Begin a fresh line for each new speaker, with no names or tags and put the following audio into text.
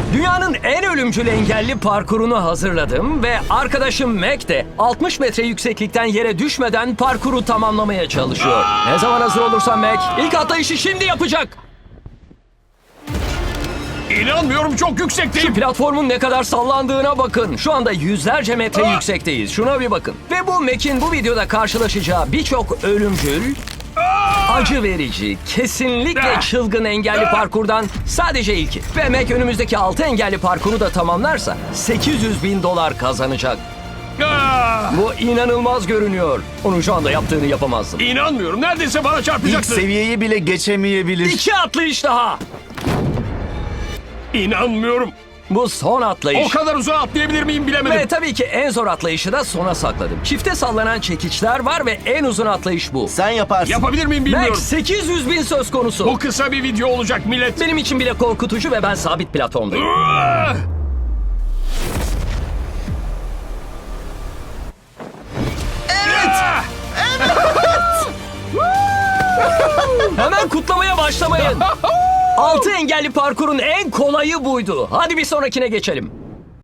Dünyanın en ölümcül engelli parkurunu hazırladım ve arkadaşım Mac de 60 metre yükseklikten yere düşmeden parkuru tamamlamaya çalışıyor. Ne zaman hazır olursan Mac, ilk atlayışı şimdi yapacak.
İnanmıyorum, çok
Şu
yüksekteyim.
platformun ne kadar sallandığına bakın. Şu anda yüzlerce metre yüksekteyiz. Şuna bir bakın. Ve bu Mac'in bu videoda karşılaşacağı birçok ölümcül, acı verici, kesinlikle çılgın engelli parkurdan sadece ilki. Ve Mac önümüzdeki 6 engelli parkuru da tamamlarsa $800.000 kazanacak. Bu inanılmaz görünüyor. Onun şu anda yaptığını yapamazdım.
İnanmıyorum, neredeyse bana
İlk
çarpacaktı.
seviyeyi bile geçemeyebilir.
2 atlayış daha.
İnanmıyorum.
Bu son atlayış.
O kadar uzağa atlayabilir miyim bilemedim.
Ve tabii ki en zor atlayışı da sona sakladım. Çifte sallanan çekiçler var ve en uzun atlayış bu.
Sen yaparsın.
Yapabilir miyim
Max
bilmiyorum.
800.000 söz konusu.
Bu kısa bir video olacak millet.
Benim için bile korkutucu ve ben sabit platformdayım.
Evet.
Hemen kutlamaya başlamayın. 6 engelli parkurun en kolayı buydu. Hadi bir sonrakine geçelim.